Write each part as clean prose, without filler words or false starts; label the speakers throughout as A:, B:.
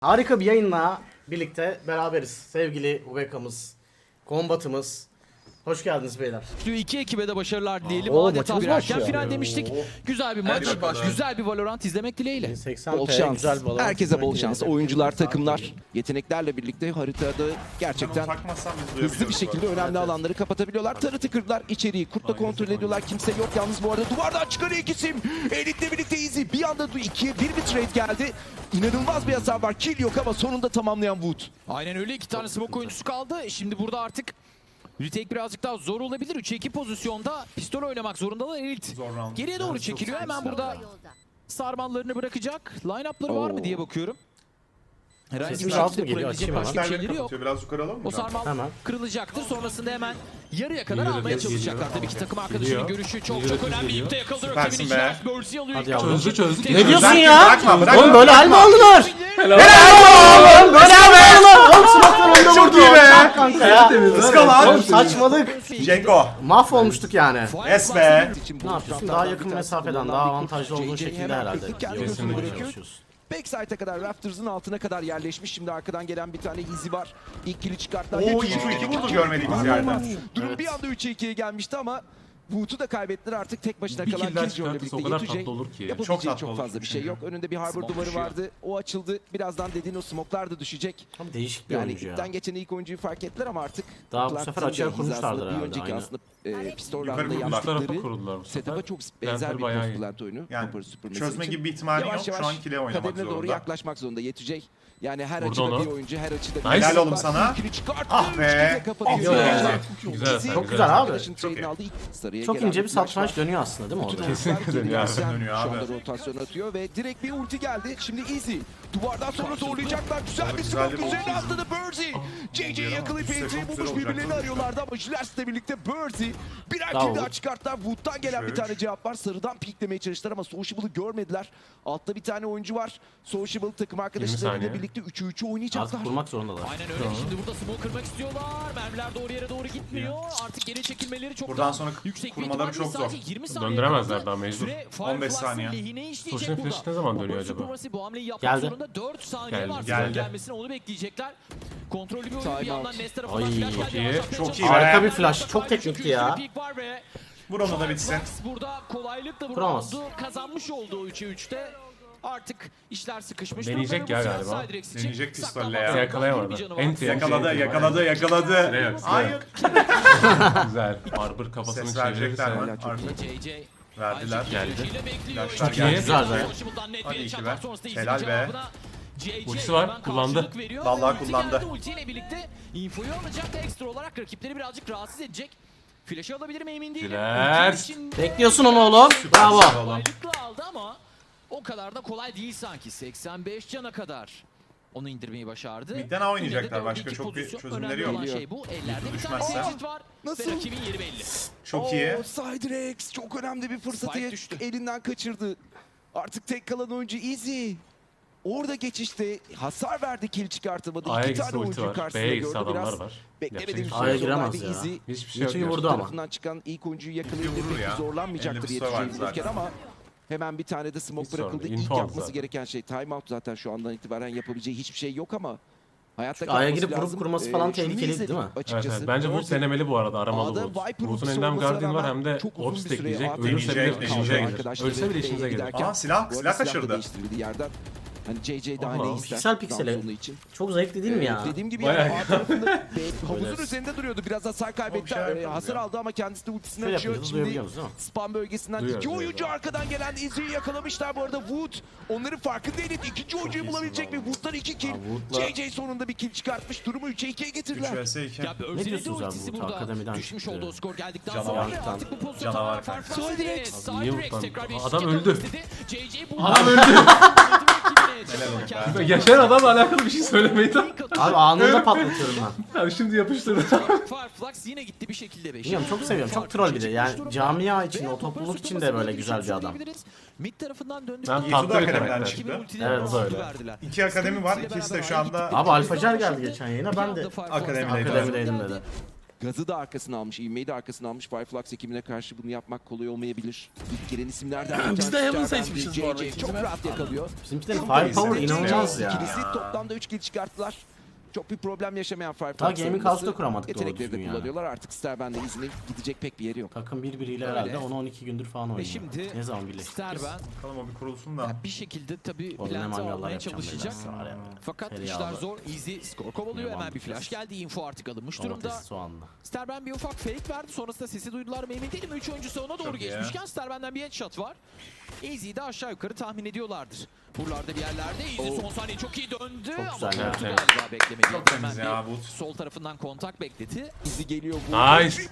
A: Harika bir yayınla birlikte beraberiz. Sevgili Ubeka'mız, Kombat'ımız. Hoş geldiniz beyler.
B: 2 ekibe de başarılar dileyelim.
A: Oo,
B: Adeta
A: maçımız
B: bir erken
A: başlıyor.
B: final demiştik. Güzel bir maç,
C: başlıyor.
B: güzel bir Valorant izlemek dileğiyle.
A: 80
D: Bol
A: P,
D: şans.
A: güzel bir balon.
D: Herkese bol şans. Oyuncular, takımlar, yeteneklerle birlikte haritada gerçekten hızlı bir şekilde önemli alanları kapatabiliyorlar. Tarıtı kırdılar, içeriği kurtla kontrol ediyorlar. Kimse yok yalnız bu arada. Duvardan çıkan iki isim. Elit'le birlikte Easy. Bir anda 2'ye 1 bir trade geldi. İnanılmaz bir hasar var. Kill yok ama sonunda tamamlayan Wood.
B: Aynen öyle, 2 tane smoke oyuncusu kaldı. Şimdi burada artık retake birazcık daha zor olabilir. 3'e 2 pozisyonda pistol oynamak zorundalar Elit. Geriye doğru çekiliyor. Hemen burada sarmallarını bırakacak. Line-up'ları var mı diye bakıyorum. Herhangi bir
A: Sesimiz alt mı
B: şekilde
A: geliyor?
B: kurabilecek
A: Açayım
B: başka bir şeyleri yok.
C: Biraz yukarı alalım mı?
B: O sarmal
A: Hemen.
B: kırılacaktır. Sonrasında hemen yarıya kadar
E: Geliyor,
B: almaya
E: geliyor.
B: çalışacaklar. Tabii ki takım arkadaşının
E: Geliyor.
B: görüşü çok
E: Geliyor,
B: çok önemli.
E: geliyor.
B: İpte yakaladı
C: Süpersin
B: rakibini.
C: be.
B: Charles Mercy alıyor.
A: Hadi
B: İlk
A: yavrum.
B: atış.
E: Çözdük.
A: Ne diyorsun
C: Bırakma,
A: ya?
C: bırakma,
A: Oğlum böyle hal mi aldılar?
E: Helal.
A: Helal böyle hal mi aldılar? Oğlum smoke'tan önde vurdu.
C: Çok iyi be.
A: Çak kanka ya.
C: Iskala.
A: Oğlum saçmalık.
C: Cenko.
A: Mahvolmuştuk yani.
C: Es be.
A: Ne yapıyorsun? Daha yakın mesafeden, daha avantajlı olduğun şekilde herhalde.
E: Kesinlikle.
A: Çalışıyorsun.
D: Backside'a kadar, Raptors'ın altına kadar yerleşmiş. Şimdi arkadan gelen bir tane Easy var. İlk kill'i çıkarttılar.
C: Oo,
D: Yakıcı.
C: 2 vurdu görmediğimiz yerden.
D: Durum bir anda 3'e 2'ye gelmişti ama Wood'u da kaybettiler artık tek başına
E: Bir
D: kalan
E: kill'den
D: Killjoy'la
E: çıkartırsa
D: birlikte
E: o kadar
D: Yetüce
E: tatlı olur ki.
D: yapabileceği
C: Çok
D: çok,
C: tatlı olur.
D: fazla bir şey yok. Önünde bir harbor
B: Smoke
D: duvarı
B: düşüyor.
D: vardı. O açıldı. Birazdan dediğin o smoke'lar da düşecek.
A: Abi değişik bir
D: Yani
A: oyuncu ya.
D: ipten geçen ilk oyuncuyu fark ettiler ama artık
A: Daha bu
D: Clark'ın
A: sefer
D: da
A: açığa
D: hizasında
A: kurmuşlardır
D: bir
A: herhalde,
D: önceki
A: aynen.
D: aslında pistol
C: Yukarı
D: round'da
C: kurdular.
E: Bu tarafa
D: yaptıkları
E: kuruldular bu sefer.
D: setup'a çok benzer
E: Lantern
D: bir
E: bayağı iyi.
D: post-plant oyunu.
C: Yani
D: Topper'ı süpürmesi
C: çözme
D: için.
C: gibi bir ihtimali yok.
D: Yavaş
C: Şu an kile oynamak
D: kaderine doğru
C: zorunda.
D: yaklaşmak zorunda yetecek. Yani her
E: Vurdu
D: açıda
E: onu.
D: bir oyuncu, her açıda bir
E: Nice.
D: oyuncu
C: Helal oğlum
D: var.
C: sana.
D: İlkini çıkarttı,
C: Ah be.
D: üçlüyle kapatıyor.
A: Ah be.
D: Yani
E: Güzel,
D: Easy,
E: çok
A: güzel abi.
D: arkadaşın
C: Çok iyi.
D: trade'ini aldı. İlk sarıya
A: Çok
D: gelen
A: ince bir
D: flash
A: satranç
D: var.
A: dönüyor aslında değil mi orada?
E: Kesinlikle
D: Geri
E: dönüyor abi.
D: gelsen
C: Dönüyor
D: Şu
C: abi.
D: anda rotasyon atıyor ve direkt bir ulti geldi. Şimdi Easy. Duvardan sonra zorlayacaklar. Güzel bir
C: Güzel
D: smoke
C: bir
D: üzerine
C: ulti.
D: atladı Birdie. JJ'yi yakalayıp
C: Çok
D: entry'yi
C: güzel
D: bulmuş
C: olacak.
D: birbirlerini arıyorlardı ama Jilers'le birlikte Birdie birer
A: Bravo.
D: kill daha çıkarttılar. Wood'dan gelen bir
C: Üç.
D: tane cevap var. Sarıdan piklemeye çalıştılar ama Sociable'ı görmediler. Altta bir tane oyuncu var. Sociable takım arkadaşlarıyla
E: saniye.
D: birlikte 3'ü 3'ü oynayacaklar.
A: Artık kurmak zorundalar.
B: Aynen öyle. Şimdi burada smoke kırmak istiyorlar. Mermiler doğru yere doğru gitmiyor. Artık geri çekilmeleri çok
C: Buradan
B: daha
C: sonra
B: yüksek bir
C: kurmaları
B: ihtimal
C: çok
B: değil.
C: zor.
B: Sadece 20 saniye
E: Döndüremezler
B: kaldı.
E: daha mecbur.
B: Süre
C: 15
B: Firefly'sın
C: saniye.
B: lehine işleyecek
E: Sosyal
B: burada.
E: flash ne zaman
B: Bomba
E: dönüyor acaba?
B: Supremacy bu hamleyi yapmak
A: Geldi.
B: zorunda. 4 saniye
E: Geldi.
B: var.
C: Geldi.
B: Gelmesini onu bekleyecekler. Kontrollü bir oyun bir
D: Time
B: yandan
D: out.
B: Nest tarafından
A: Ay,
B: flash
E: çok
B: geldi.
E: iyi.
B: Yavaşlatmaya
C: Çok iyi
B: çalışıyor.
C: be.
A: Harika bir flash. Çok teknikti ya.
C: Vur onu da bitsin.
B: Firefly burada kolaylıkla bu
A: Kuramaz.
B: roundu kazanmış olduğu 3'e 3'te. Artık işler sıkışmış.
E: Deneyecek
B: durumda ve
E: ya
B: bu
E: galiba.
B: Siderex için
C: Deneyecek pistolle
B: saklanmak
C: ya.
B: zorunda.
E: Yakalayamadı.
B: Bir canı var.
E: Enti.
C: Yakaladı, yakaladı, yakaladı.
E: Silah yok, silah
C: Hayır.
E: yok. Güzel. Arbor kafasını
C: Ses verecekler mi?
E: çevirirse.
D: Çok
B: JJ
C: Verdiler.
E: Geldi.
C: Yaşlar
E: Çok iyi.
C: geldi.
A: Güzel be.
C: Hadi iki be. Helal be.
E: Ultisi var, kullandı.
C: Vallahi kullandı.
B: Ultiyle birlikte infoyu alacak, ekstra olarak rakipleri birazcık rahatsız edecek. Flash'ı alabilir mi emin değilim.
E: Flash.
B: Ulti için
A: Bekliyorsun onu oğlum. Bravo.
B: kolaylıkla aldı ama o kadar da kolay değil sanki. 85 cana kadar onu indirmeyi başardı.
C: Midden A oynayacaklar.
B: Yine de
C: Başka
B: dördüncü
C: çok bir
B: pozisyon.
C: çözümleri
B: Önemli
C: yok.
B: olan şey bu. Ellerde bir tane
C: düşmezse.
B: exit var.
D: Nasıl?
B: Ve rakibin yeri belli.
C: Çok iyi.
D: Siderex çok önemli bir fırsatı
B: Spike düştü.
D: elinden kaçırdı. Artık tek kalan oyuncu Easy. Orada geçişte hasar verdi, kill çıkartamadı.
E: A'ya
D: İki
E: gitse
D: tane
E: ulti
D: oyuncuyu
E: var.
D: karşısında
E: B'ye gitse
D: gördü.
E: adamlar
D: Biraz
E: var.
D: beklemediğim
E: Yapacak
A: A'ya
E: bir şey yok.
A: giremez ya.
D: Easy.
E: Hiçbir şey yok.
A: Yetüce'yi vurdu
E: gerçekten.
A: ama.
D: Tarafından çıkan ilk oyuncuyu
C: vurur
D: yakalayıp
C: ya.
D: zorlanmayacaktır
C: Elinde bir soru var
D: Yetüce'yi vururken
C: zaten.
D: ama hemen bir tane de smoke
E: Hiç sorun
D: bırakıldı.
E: değil.
D: İlk
E: Info aldı
D: yapması
E: zaten.
D: gereken şey timeout zaten şu andan itibaren yapabileceği hiçbir şey yok ama hayatta
A: A'ya
D: kalması
A: girip vurup
D: lazım.
A: kurması falan
D: Şunu
A: tehlikeliydi
D: izledik
A: değil mi?
E: Evet,
D: Açıkçası.
E: evet. Bence Wood denemeli bu arada, aramalı
D: A'da
E: Wood.
D: Viper
E: Wood'un
D: ultisi
E: elinden
D: olmasına
E: Guardian var
D: rağmen
E: hem de
D: çok uzun
E: Ops
D: bir süre
E: tekleyecek.
D: AFK
E: Ölürse
C: deneyecek,
E: bile işimize
C: deneyecek.
E: gelir.
D: Arkadaşları
E: Ölse bile işimize gelir.
D: giderken-
C: Aa silah,
D: Bu arada
C: silah
D: da
C: kaçırdı.
D: değiştirildi yerden. Hani JJ daha
E: Allah,
D: ne ister?
A: piksel piksele.
D: Down zone'u için.
A: Çok zevkli değil mi ya?
D: Dediğim gibi
E: Bayağı
D: yani A tarafında havuzun
A: Böyle.
D: üzerinde duruyordu. Biraz hasar kaybetti.
C: bir şeyler yapalım
D: Hasar
C: ya.
D: aldı ama kendisi de ultisini
A: Şöyle
D: açıyor.
A: yapıyoruz,
D: Şimdi
A: duyabiliyoruz değil mi?
D: spam bölgesinden
E: Duyuyoruz,
D: iki oyuncu
E: duyuyoruz.
D: arkadan gelen Izzy'yi yakalamışlar bu arada. Wood onların farkında değil. İkinci oyuncuyu
C: iyisin
D: bulabilecek mi?
C: vallahi.
D: Wood'dan 2 kill.
A: Abi Wood'la-
D: JJ sonunda bir kill çıkartmış. Durumu 3'e 2'ye
C: 3
D: getirdiler.
C: vs 2.
B: Ya
A: Ne diyorsunuz abi
B: ultisi
A: bu
B: burada
A: akademiden
B: düşmüş
A: çıktı.
B: olduğu skor geldikten
C: Canavar.
B: sonra ve artık bu pozisyonu
C: Canavar
B: tamamen
C: kanka.
B: farklı.
D: Siderex.
E: Abi niye
B: Siderex
E: vurdu?
B: tekrar bir
E: Adam
B: eşlik
E: öldü.
B: yapmak istedi. JJ bu
E: Adam öldü.
C: Helal olsun be.
E: Yaşayan adamla alakalı bir şey söylemeyi de.
A: Abi anında patlatıyorum ben.
E: Ya şimdi yapıştırdı.
B: Fireflux yine gitti bir şekilde 5.
A: Bilmiyorum, çok seviyorum. Çok troll bir de. Yani camia için, o topluluk için de böyle güzel bir adam.
B: Mid tarafından döndük.
E: Ben
C: Yetuda
E: tatlı bir
C: akademiden
E: karakter.
C: çıktı.
A: Evet,
E: böyle.
C: 2 akademi var. İkisi de şu anda
A: Abi Alfacer geldi geçen yayına. Ben de
C: akademideydim.
A: akademideydim dedi.
D: Gazı da arkasına almış, ivmeyi de arkasına almış. Fireflux ekibine karşı bunu yapmak kolay olmayabilir. İlk gelen isimlerden bir
E: Biz
D: tanesi
E: de Heaven
D: Sterben
E: seçmişiz
D: değil.
E: bu arada
D: JJ çok
E: ikisine.
D: rahat yakalıyor.
A: Bizimkilerin firepower inanılmaz ya.
D: İkilisi toplamda 3 kill çıkarttılar. Çok bir problem yaşamayan Fireflux.
A: Daha gaming
D: savunması.
A: house'da kuramadık doğru
D: Yetenekleri de
A: düzgün yani.
D: kullanıyorlar. Artık Sterben'de izinin gidecek pek bir yeri yok.
A: Takım birbiriyle
B: Öyle.
A: herhalde 10-12 gündür falan
B: Ve
A: oynuyor.
B: şimdi
A: Ne zaman birleştik biz?
B: Sterben
C: Bakalım o bir kurulsun da.
B: bir şekilde tabii
A: Orada ne
B: planti
A: mangallar
B: almaya
A: yapacağım
B: çalışacak.
A: beyler, var ya.
B: Fakat
A: Seri
B: işler
A: aldı.
B: zor. Easy skor kovalıyor.
A: Yaman
B: Hemen bir
A: bir
B: flash
A: flash.
B: geldi. Info artık alınmış durumda.
A: Domates soğanla.
B: Sterben bir ufak fake verdi. Sonrasında sesi duydular mı emin değilim. 3 oyuncusu ona doğru
C: Çok iyi.
B: geçmişken Sterben'den bir headshot var. Easy'yi de aşağı yukarı tahmin ediyorlardır. Buralarda bir yerlerde. Easy son saniye çok iyi döndü.
A: Çok
B: Ama
A: güzel ya.
B: Kurt'u
E: Evet.
B: galiba beklemedi.
C: Çok temiz
B: Hemen
C: ya
B: bir
C: Wood.
B: sol tarafından kontak bekledi.
D: Bizi geliyor bu.
E: Nice.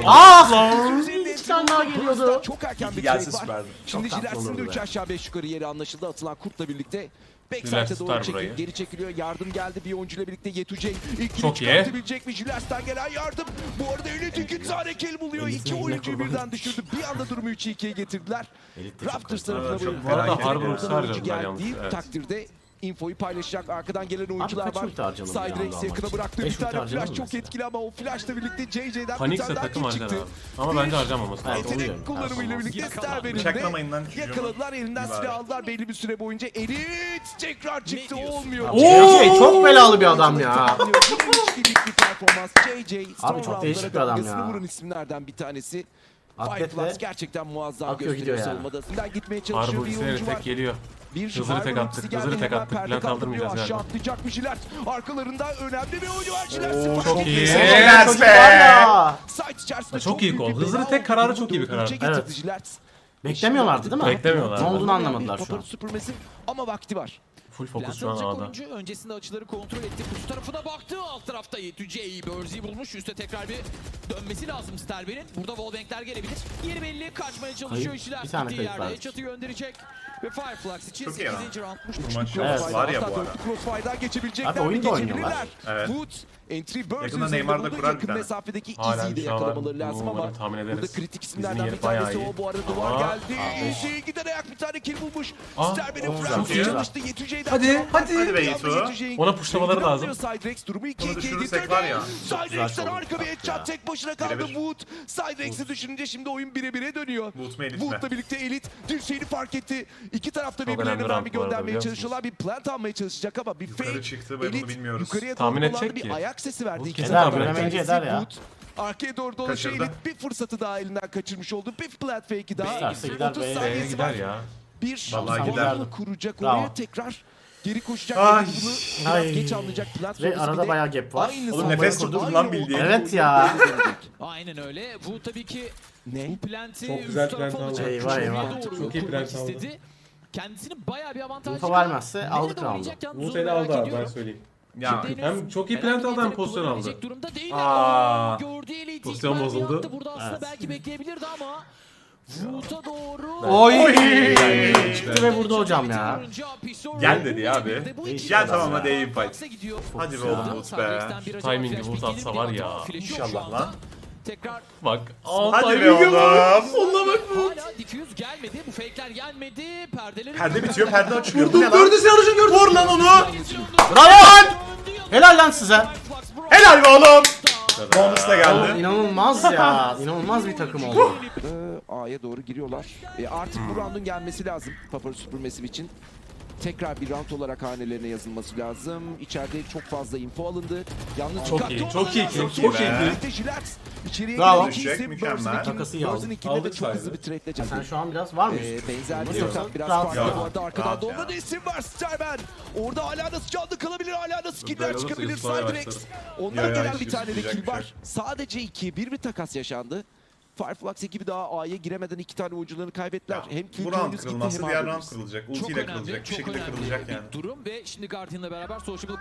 A: Ah! Bir tane daha geliyordu.
D: Çok erken bir
C: Gelse
D: trade var.
C: süperdi.
D: Şimdi
A: Çok tatlı
D: Jilers'in de
A: olurdu
D: 3
A: be.
D: aşağı 5 yukarı yeri anlaşıldı. Atılan Kurt'la birlikte
E: Jilers
D: Backside'e doğru
E: tutar
D: çekilip
E: burayı.
D: geri çekiliyor. Yardım geldi bir oyuncuyla birlikte Yetücey. İlk
E: Çok
D: kill'i
E: iyi.
D: çıkartabilecek mi? Jilers'ten gelen yardım. Bu arada Elit 2 tane kill buluyor.
A: Elit'in
D: 2
A: eline
D: oyuncuyu
A: kurban
D: birden düşürdü. Bir anda durumu 3-2'ye getirdiler.
A: Elit de çok
D: Raptors
A: kaliteli.
D: tarafına
C: Evet, çok
D: böyle
C: merak
E: Harbor
C: ediyorum.
E: Ultisi
D: oyuncu
E: harcadılar yalnız,
D: geldiği
E: evet.
D: takdirde infoyu paylaşacak. Arkadan gelen oyuncular
A: kaç
D: var.
A: ulti harcanır bir anda
D: Cydrex
A: almak
D: yakına
A: için?
D: bıraktı.
A: Beş
D: Bir tane
A: ulti harcanır
D: flash
A: mı
D: çok
A: mesela?
D: etkili ama o flashla birlikte JJ'den bir
E: Panikse
D: tane daha
E: takım
D: kill
E: harcar
D: çıktı.
E: abi. Ama bence harcamaması lazım.
A: Evet, oluyor.
D: Yetenek kullanımıyla
A: Performans.
D: birlikte Sterben'in de
C: Bıçaklamayın lan çocuğumu.
D: yakaladılar. Elinden
C: İyi bari.
D: silah aldılar belli bir süre boyunca. Elit tekrar çıktı.
B: diyorsun?
D: Olmuyor.
A: JJ çok belalı bir adam ya.
D: Yine 3-2'lik bir performans. JJ son
A: çok değişik
D: roundlara
A: bir adam
D: damgasını
A: ya.
D: vuran isimlerden bir tanesi.
A: Atletle
D: Fireflux gerçekten muazzam
A: akıyor gidiyor
D: gösteriyor
A: yani.
D: savunmada. Sizden gitmeye çalışıyor
E: Harbor
D: bir
E: ultisine
D: oyuncu var.
E: tek geliyor.
D: Bir
E: Hızlı
D: Harbor
E: tek attık,
D: ultisi
E: hızlı
D: geldi.
E: tek
D: Hemen
E: attık.
D: perde
E: Plan
D: kaldırmıyor.
E: kaldırmayacağız
D: Aşağı
E: galiba.
D: atlayacak bir Jilet. Arkalarında önemli bir oyuncu var. Jilet
A: Oo,
D: sıfır.
E: çok iyi.
C: Helal
A: Çok iyi
C: be.
A: var ya.
D: Site içerisinde
E: Çok iyi
D: büyük
E: gol.
D: bir
E: Hızlı
D: bela
E: tek kararı çok iyi bir
D: olduğunu
E: karar.
D: getirdi
A: Evet.
D: Jilet.
A: Beklemiyorlardı değil mi?
E: Beklemiyorlar.
A: Ne olduğunu
D: Yani
A: anlamadılar
D: bir
A: şu an.
D: Papara süpürmesi ama vakti var.
E: Full fokus
B: Plant
E: şu an
B: alacak
E: A'da.
B: oyuncu öncesinde açıları kontrol etti. Kutu tarafına baktı. Alt tarafta Yetüce'yi Börzi'yi bulmuş. Üste tekrar bir dönmesi lazım Sterben'in. Burada wallbankler gelebilir. Yeri belli. Kaçmaya çalışıyor
A: Kayıp.
B: işçiler.
A: Bir tane
B: Gittiği
A: kayıp
B: yerde
A: var.
B: headshot'ı gönderecek. Ve Fireflux için
C: Çok iyi lan.
B: 8. roundmuş.
C: Bu maç
A: Evet.
C: var ya bu
D: Hatta
C: ara.
D: dörtlü Crossfire'dan geçebilecekler
A: Abi oyun
D: mi?
A: da oynuyorlar.
D: Geçebilirler.
C: Evet.
D: Wood, entry burst
C: Yakında
D: üzerinde
C: Neymar da
D: bulundu.
C: kurar bir
D: Yakın
C: tane.
D: mesafedeki
E: Hala
D: Easy'yi de
E: bir şey var.
D: yakalamaları lazım ama
E: Umarım tahmin ederiz.
D: burada kritik
E: Bizim
D: isimlerden
E: yeri
D: bir tanesi
E: bayağı iyi.
D: o. Bu arada duvar
E: Aa,
D: geldi. Easy giden ayak bir tane kill bulmuş.
E: Aa,
D: Sterben'in
A: çok
D: Fransız
C: iyi.
D: çalıştı. Yetücey'den
E: Hadi,
D: cevap
E: hadi.
D: var.
C: Hadi be
D: Bir anda
C: Yetu.
D: Yetücey'in
E: Ona pushlamaları
D: kilini
E: lazım.
D: alıyor. Cydrex durumu 2-2'ye
C: düşürürsek
D: getirdi.
C: var ya,
A: çok güzel
D: Cydrex'ten
A: oldu
D: harika bir
A: ya.
D: headshot tek başına kaldı
C: Birebir.
D: Wood. Cydrex'i düşününce şimdi oyun 1'e dönüyor.
C: Wood mu Elit mi?
D: Wood'la birlikte Elit dirseğini fark etti. İki tarafta
E: Çok
D: birbirlerine
E: önemli
D: mermi
E: round bu arada,
D: göndermeye
E: biliyor
D: çalışıyorlar. Bir plant almaya çalışacak ama bir
C: Yukarı
D: fake.
C: çıktı ve bunu bilmiyoruz.
D: Yukarıya doğru
E: Tahmin
D: dolandı,
E: edecek
D: bir
E: ki.
D: ayak sesi verdi.
E: Wood
D: İki
E: kesin
D: taraftan
E: tahmin
D: bir
A: edecek.
D: tanesi
A: Eder ya.
D: Wood. Arkaya doğru dolaşıyor
C: Kaçırdı.
D: Elit. Bir fırsatı daha elinden kaçırmış oldu. Bir plant fake'i daha.
A: İsterse gider
D: 30
A: B'ye
D: saniyesi
E: Gider
D: var.
E: ya.
D: Bir
C: Vallahi
D: gider.
A: gider.
D: Kuracak
A: Bravo.
D: oraya tekrar geri koşacak.
C: Ay.
D: Bunu biraz
A: Ay.
D: geç anlayacak. Plant
A: Ve
D: sonrası
A: arada
D: bir de
A: bayağı gap var.
D: aynı
C: Oğlum
D: savunmayı
C: nefes
D: kurdu.
C: tutuldu lan
D: Aynı
C: bildiğin.
A: Evet ya.
B: Aynen öyle. Bu tabii ki
D: Ne?
B: bu plant'i
E: Çok
B: üst
E: güzel
B: tarafa
E: plant
B: alacak.
E: aldı.
A: Eyvah,
B: Şuraya
A: eyvah.
B: doğru
E: Çok iyi
B: kurmak
E: plant aldı.
B: istedi. Kendisini bayağı bir avantaj
A: Info
B: çıkardı.
A: vermezse
B: Nerede
A: aldık round'u.
B: oynayacak yalnız
E: Bu
B: onu
E: seni
B: merak
E: aldı abi ben
B: ediyorum.
E: söyleyeyim.
C: Ya
B: Şimdi
E: Hem çok iyi
B: herhangi
E: plant
B: bir
E: aldı hem
B: yetenek
E: pozisyon
B: kullanabilecek
E: aldı.
B: Durumda değil.
C: Aa.
B: Gördüğü elite
E: Pozisyon
B: ilk mermi
E: bozuldu.
B: attı. Burada aslında
A: Evet.
B: belki bekleyebilirdi ama Wood'a doğru.
A: Oy!
E: Güzel.
A: Çıktı ve vurdu hocam ya.
C: Gel dedi ya abi. Gel tamam hadi iyi fight.
B: Gidiyor.
C: Hadi be oğlum Wood be.
E: Şu timing'i Wood atsa var ya.
C: İnşallah lan.
B: Tekrar
E: Bak. Aa,
C: Hadi be
E: timing'e
C: oğlum.
E: bak. Sonuna bak.
B: hala diffuse gelmedi. Bu fake'ler gelmedi. Perdeleri
C: Perde bitiyor, perde açılıyor. Bu ne lan?
E: Gördü sen gördü.
C: Vur lan onu.
A: Bravo lan! Helal lan size.
C: Helal be oğlum. Bonus da
A: Oğlum
C: geldi.
A: inanılmaz ya. İnanılmaz bir takım oldu.
D: A'ya doğru giriyorlar. Artık bu roundun gelmesi lazım Papara süpürmesi için. Tekrar bir round olarak hanelerine yazılması lazım. İçeride çok fazla info alındı. Yalnız
E: Çok
D: dikkatli
E: iyi,
D: olmaları
E: çok iyi,
D: lazım.
E: çok
C: iyi be.
D: Birlikte Jilet. İçeriye
A: Bravo.
D: giren iki
C: Düşecek,
D: isim.
C: mükemmel.
D: Bird'ün
A: Takası iyi
D: Bird'ün
A: aldı.
D: ikinde de
E: Aldık
D: çok hızlı
E: saydı.
D: bir trade'le
A: Sen
D: çekti.
A: şu an biraz var mı?
D: Benzer bir
A: Yoksa
D: yöntem. Biraz
A: rahat
D: farklı
C: ya.
D: bu arada. Arkadan
C: Rahat
D: dolma
C: ya.
D: da isim var. Sterben. Orada hala nasıl canlı kalabilir. Hala nasıl killer
E: Böyle olursa
D: çıkabilir.
E: Yusuf'a
D: Cydrex.
E: başlarım.
D: Ondan
C: Ya,
D: gelen
C: hiç
D: bir tane de
C: yapacak
D: kill
C: bir şey
D: var.
C: yok.
D: Sadece 2 bir takas yaşandı. Fireflux ekibi daha A'ya giremeden iki tane oyuncularını kaybettiler.
C: Ya,
D: Hem kill
C: bu round
D: oyuncusu gitti
C: kırılmazsa
D: hem
C: diğer
D: A'da
C: round
D: birisi.
C: kırılacak.
B: Çok
C: Ultiyle
B: önemli,
C: kırılacak. Bir
B: çok
C: şekilde
B: önemli
C: kırılacak
B: bir
C: yani.
B: durum ve şimdi Guardian'la beraber Sociable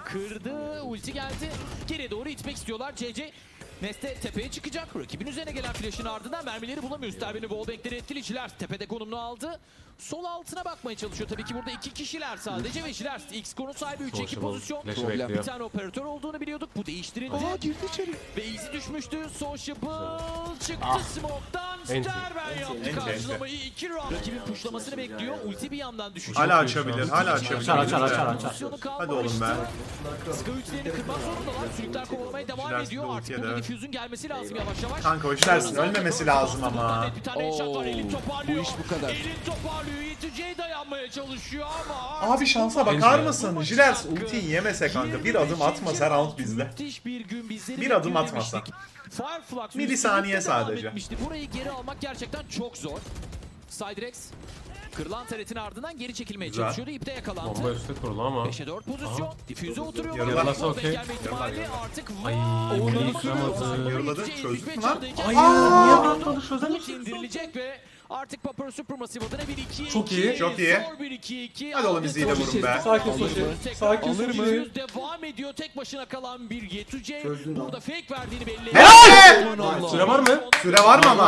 B: kırdı. Ulti geldi. Geriye doğru itmek istiyorlar. CC Neste tepeye çıkacak. Rakibin üzerine gelen flash'ın ardından mermileri bulamıyor. Sterben'in wallbank'leri etkileyiciler. Tepede konumunu aldı. Sol altına bakmaya çalışıyor. Tabii ki burada iki kişiler sadece ve Jiler X-Score'un sahibi 3-2
E: Sociable.
B: pozisyon.
E: Flash'ı
D: Problem.
B: Bir
E: bekliyor.
B: tane operatör olduğunu biliyorduk. Bu değiştirildi.
D: Aa girdi içeri.
B: Ve Easy düşmüştü. Sociable çıktı
A: Ah.
B: smoke'tan.
E: Enti.
B: Sterben yaptı
C: Enti.
B: karşılamayı. 2 round. Rakibin pushlamasını bekliyor. Ulti bir yandan düşecek.
C: Hala açabilir, hala açabilir.
A: Açar.
B: Pozisyonu
C: Hadi oğlum be.
B: Ska üçlerini kırmak zorundalar. Sürükler kovalamaya devam
C: Jiler
B: ediyor.
C: ultiye
B: Artık
C: de.
B: burada diffuse'un gelmesi lazım yavaş yavaş.
C: Kanka o işlersin, ölmemesi lazım ama.
B: Bir tane eşat var. Elin
D: Oo,
B: toparlıyor.
D: bu iş bu kadar.
B: Elin toparlıyor. Yeteceği dayanmaya çalışıyor ama.
C: Abi şansa bakar mısın? Jilers ultiyi yemese kanka, bir adım atmasa round bizde.
B: Müthiş bir gün bizleri
C: Bir adım
B: bekliyor
C: atmasa.
B: demiştik. Fireflux
C: Milisaniye
B: üstünlükte devam
C: sadece.
B: etmişti. Burayı geri almak gerçekten çok zor. Siderex kırılan taretin ardından geri çekilmeye
C: Güzel.
B: çalışıyordu. İpte yakalandı.
E: Bomba üstü kurulu ama.
B: 5'e 4 pozisyon. Difüze oturuyor.
C: Yarılar.
E: Yarılasa okey.
B: Gelme ihtimali artık
E: Ay,
B: Oynanamadı.
E: yıkamadı.
C: Yarıladı,
B: Yeteceği
C: çözdük
B: 75
C: mü lan?
B: çaldıyken
E: Ay,
B: Aa!
E: niye atmadı, çözemedik.
B: Umut indirilecek ve artık Papara Supermassive adına bir 2-2.
E: Çok iyi.
C: Çok iyi.
B: Zor bir 2-2.
C: Hadi oğlum izleyi de vurun be.
E: Sakin Soşi. Sakin
B: Alır mı?
E: Soşi.
B: Devam ediyor. Tek başına kalan bir Yetuce. Burada fake verdiğini belli.
C: Helal!
E: Süre var mı?
C: Süre var mı ama?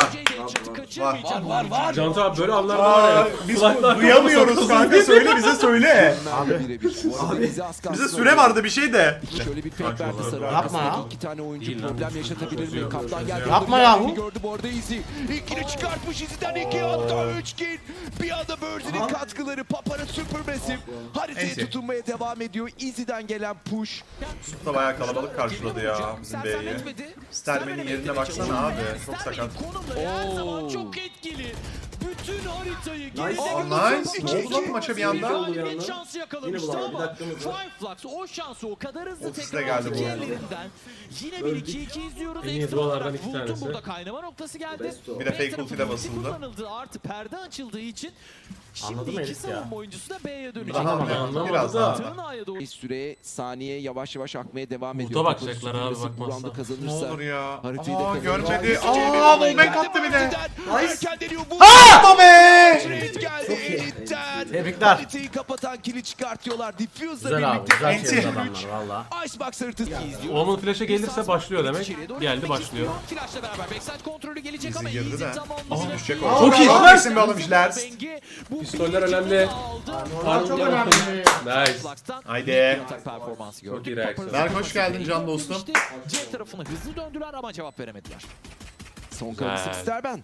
B: Var.
E: Cantu abi böyle anlarda var ya.
C: Biz
E: Kulaklar
C: duyamıyoruz kanka, söyle bize söyle.
D: Bize
C: Süre vardı bir şey de.
D: Şöyle bir fake verdi sarı
A: Yapma
D: arkasındaki
A: ya.
D: iki tane oyuncu
E: Değil lan.
D: problem yaşatabilir mi? Kaptan geldi.
A: Yapma
D: orada
A: yahu.
D: bir gördü bu arada Easy. İlkini çıkartmış Easy'den 2 hatta 3 kill. Bir anda Birdie'nin katkıları Papara Supermassive haritaya
C: Neyse.
D: tutunmaya devam ediyor. Easy'den gelen push.
C: Da bayağı kalabalık karşıladı ya bizim B'yi. Stermen'in yerine baksana abi, çok sakat.
B: Konumları her zaman çok etkili. Bütün haritayı
C: Nice.
B: geride
C: Ne oldu lan maça bir anda?
B: Galibiyet şansı yakalamıştı
A: Yine bu var, bir
B: ama
A: dakikamız var.
B: Fireflux o şansı o kadar hızlı
C: Ofiste
B: tekrar
C: geldi
B: aldı
C: bu
B: ki
C: arada.
B: ellerinden. Yine bir 2-2 izliyoruz.
E: En iyi
B: Ekstra
E: dualardan
B: olarak
E: iki
B: Vult'un
E: tanesi.
B: burada kaynama noktası geldi.
C: Bir de fake
B: B
C: ulti de
B: tarafı
C: basıldı.
B: kullanıldı. Artı perde açıldığı için
A: Anladı
B: şimdi
A: mı
B: iki
A: herif ya?
B: savunma oyuncusu da B'ye dönecek.
C: Daha
E: Anlamadı
C: biraz
E: da.
C: daha.
B: Tırnağıya doğru.
D: Süre saniye yavaş yavaş akmaya devam
E: Burada
D: ediyor.
E: bakacaklar
D: Papara
E: abi,
D: Supermassive bu
E: bakmazsa.
D: roundu
C: Ne
D: kazanırsa
C: olur ya.
D: haritayı da
C: Aa
D: kazanacak.
C: görmedi.
D: Easy'ye
C: Aa
D: bir
C: wallbang attı bir de.
D: Erken deniyor bu.
C: Yapma be!
D: Trade geldi Elit'ten.
A: Tebrikler.
D: Haritayı kapatan kili çıkartıyorlar. Diffuse'la
A: Güzel abi.
D: birlikte.
A: Güzel
C: Enti.
A: çevirdi adamlar valla.
D: Icebox haritası izliyor.
E: Oğlum flash'e gelirse başlıyor demek. Geldi başlıyor.
B: Flash'la beraber backside kontrolü gelecek
C: Easy
B: ama
C: girdi
B: Easy
C: de.
B: tamamlayacak.
C: Aa, düşecek
B: İyi.
C: o.
E: Çok iyi.
C: Çok iyisin be oğlum Jilers.
E: Pistoller önemli.
A: Normal çok önemli.
E: Nice.
C: Haydi.
B: Atak performansı gördük.
E: Çok iyi reaksiyon.
C: Berk, hoş geldin can dostum.
B: C tarafına hızlı döndüler ama cevap veremediler.
D: Son kalısı
E: Güzel.
D: Sterben.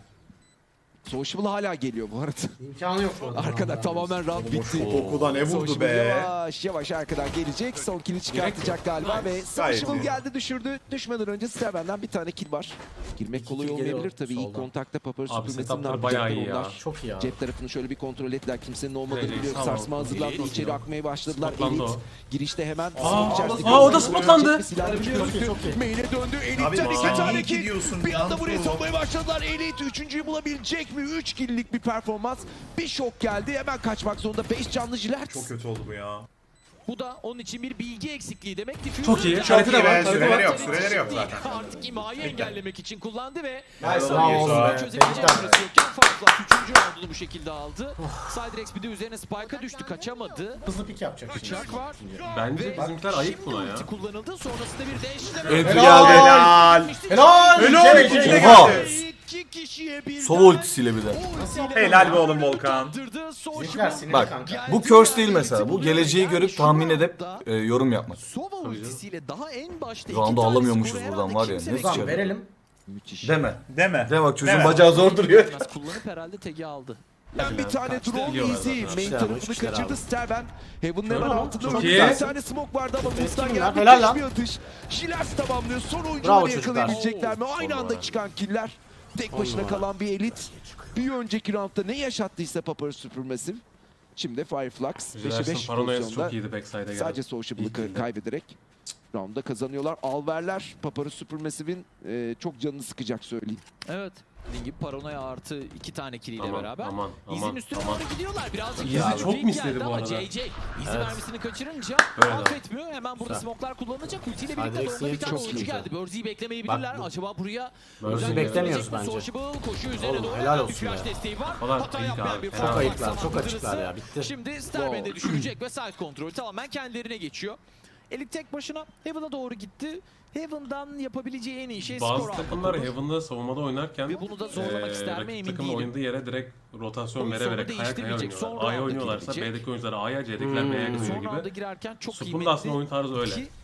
D: Sociable hala geliyor bu arada.
A: İmkanı yok orada.
D: Arkada tamamen round bitti.
C: Kokuda ne vurdu
D: Sociable
C: be?
D: yavaş yavaş arkadan gelecek. Son kill'i çıkartacak galiba ve Sociable
C: iyi.
D: geldi düşürdü. Düşmeden önce Sterben'den bir tane kill var. Girmek kolay
A: kill geliyor
D: olmayabilir tabii. İlk
A: soldan.
D: kontakta Papara
E: Abi
D: Supermassive'nin
E: setuplar bayağı iyi ya.
D: onlar.
A: Çok iyi abi.
D: Cep tarafını şöyle bir kontrol ettiler. Kimsenin olmadığını
E: Evet,
D: biliyor.
E: tamam.
D: Sarsma hazırlandı.
B: Elit.
D: İçeri akmaya başladılar.
E: Spotlandı
D: Elit
E: o.
D: girişte hemen smoke içerisinde
E: o da
D: görüldü.
E: spotlandı.
D: Bir silah
A: Çok iyi,
D: gözüktü.
A: çok iyi.
D: Main'e döndü.
C: Abi
D: Elit'ten iki
C: sen
D: tane
C: niye
D: kill.
C: gidiyorsun?
D: Bir anda buraya
C: Cantu?
D: sokmaya başladılar. Elit üçüncüyü bulabilecek mi? 3 kill'lik bir performans. Bir şok geldi. Hemen kaçmak zorunda. 5 canlı Jilet.
C: Çok kötü oldu bu ya.
B: Bu da onun için bir bilgi eksikliği demek. Diffuser
E: Çok iyi.
B: de-
C: Çok iyi
E: Harita
C: be,
E: var, harita
C: süreleri
E: var.
C: yok, süreleri yok zaten.
B: Artık imhayı engellemek için kullandı ve
A: Bravo oğlum be.
B: çözebilecek
A: Tebrikler.
B: süresi yokken Firefly 3. roundu bu şekilde aldı. Siderex bir de üzerine Spike'a düştü, kaçamadı.
A: Hızlı pik yapacak şimdi.
B: Bıçak var.
E: Bence bizimkiler ayıp
B: Şimdi
E: buna ya.
B: ulti kullanıldı. Sonrasında bir değişti.
F: Enti
A: Helal.
F: geldi.
C: Helal.
A: Helal.
C: Helal.
A: Şey,
C: İkili
A: şey.
F: Oha.
C: geldi.
B: İki kişiye bir
F: Sova ultisiyle bir de.
C: Helal be oğlum Volkan.
A: Bizimkiler sinirli
F: Bak
A: kanka.
F: bu curse değil mesela. Bu geleceği görüp tahmin edip yorum yapmak.
B: Sova ultisiyle daha en başta
F: Şu anda
B: iki tanesi
F: alamıyormuşuz
B: buraya
F: buradan var ya,
B: kimse
F: ne
B: beklemedi.
A: Tamam verelim.
D: Müthiş.
F: Deme.
C: Deme.
F: Deme bak çocuğun
C: Deme.
F: bacağı zor duruyor.
B: Biraz kullanıp herhalde tagi aldı.
D: Ben bir tane drone
E: Biliyorlar
D: easy.
E: zaten.
D: Main
A: İşte
D: tarafını
A: abi, işte
D: kaçırdı
A: abi.
D: Sterben. Heaven'ın hemen
A: Çok
D: altında
E: iyi.
D: bir tane smoke vardı ama Boost'tan
A: Eski
D: gelen
A: bunlar, helal
D: müthiş
A: lan.
D: bir atış. Jilers tamamlıyor. Son
A: Bravo
D: oyuncuları
A: çocuklar.
D: yakalayabilecekler mi? Aynı
E: Son
D: anda
E: numara.
D: çıkan killer. Tek başına
A: numara.
D: kalan bir elit. Bir önceki roundda ne yaşattıysa Papara Supermassive. Şimdi Fireflux 5'e 5
E: Jilers'ın paranoyası
D: pozisyonda
E: çok iyiydi backside'e geldi.
D: sadece Sociable'ı
E: İyi kildi.
D: kaybederek roundda kazanıyorlar. Alverler Papara Supermassive'in çok canını sıkacak söyleyeyim.
B: Evet. Dediğim gibi paranoya artı 2 tane kiliyle
E: Aman,
B: beraber.
E: aman,
B: İzin
E: aman,
B: üstüne
E: aman.
B: doğru gidiyorlar. Birazcık
E: Easy
B: daha
E: çok
B: fake
E: misledi
B: geldi
E: bu
B: ama
E: arada.
B: JJ Easy
A: Evet.
B: mermisini kaçırınca
E: Böyle.
B: affetmiyor. Hemen burada
A: Güzel.
B: smoke'lar kullanılacak. Ultiyle
A: Siderex
B: birlikte doğru bir
A: niyeti
B: tane
A: çok
B: oyuncu
A: iyi.
B: geldi. Börzi'yi beklemeyebilirler.
A: Bak bu-
B: Acaba buraya
A: Börzi'yi
B: özen
A: beklemiyoruz
B: gösterecek mi?
A: bence.
B: Sociable koşuyor üzerine
A: Oğlum,
B: doğru.
A: helal
B: Bir
A: olsun
B: flash
A: be.
B: desteği var.
E: Falan
B: Hata
E: iyi
B: yapmayan
E: abi.
B: bir
E: Çok
B: Firefly
A: ayıklar, çok
B: saldırısı.
A: açıklar ya, bitti.
B: Şimdi Sterben'de düşürecek ve side kontrolü tamamen kendilerine geçiyor. Elit tek başına Heaven'a doğru gitti. Heaven'dan yapabileceği en iyi şey skor
E: Bazı
B: almak
E: takımlar
B: olur.
E: Heaven'da savunmada oynarken
B: Ve bunu da zorlamak ister mi
E: rakip
B: emin
E: takımın
B: değilim.
E: oynadığı yere direkt rotasyon
B: Oyun
E: vere
B: sonu
E: vere kaya kaya
B: değiştirmeyecek.
E: oynuyorlar.
B: Son
E: A'ya
B: rounda
E: oynuyorlarsa
B: girecek.
E: B'deki oyuncular A'ya, C'dekiler B'ye gidiyor
B: Son rounda
E: gibi.
B: girerken çok
E: Sup'un
B: kıymetli.
E: da aslında oyun tarzı öyle.
B: Ki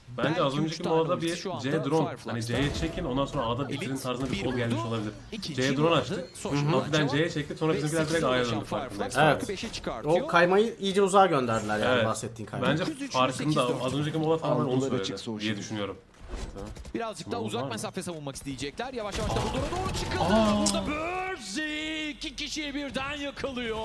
E: Bence
B: Belki
E: az
B: üç
E: önceki
B: tane
E: molada
B: ultisi
E: bir
B: şu anda
E: C drone.
B: Fireflux'ta.
E: Hani C'ye çekin ondan sonra A'da bitirin tarzında bir
B: bir
E: kol gelmiş
B: vurdu,
E: olabilir.
B: İkinci
E: C drone
B: vurdu,
E: açtı.
B: Social
E: Hafiften
B: cevap
E: C'ye çekti sonra
B: ve
E: bizimkiler direkt
B: sekize
E: A'ya
B: ulaşan
E: döndü farkındayız.
B: Fireflux
A: Evet.
B: farkı 5'e çıkartıyor.
A: O kaymayı iyice uzağa gönderdiler yani
E: Evet.
A: bahsettiğin kaymayı.
E: Bence
B: 9-3'lü
E: farkında
B: 8-4.
E: az önceki mola tamamen onu
D: Algılar
E: söyledi
D: açık Social.
E: diye düşünüyorum.
B: Birazcık daha
E: Smoke var
B: uzak
E: mı?
B: mesafe savunmak isteyecekler. Yavaş yavaş da bu doğru çıkıldı. Burada Burzy 2 kişiyi birden yakalıyor.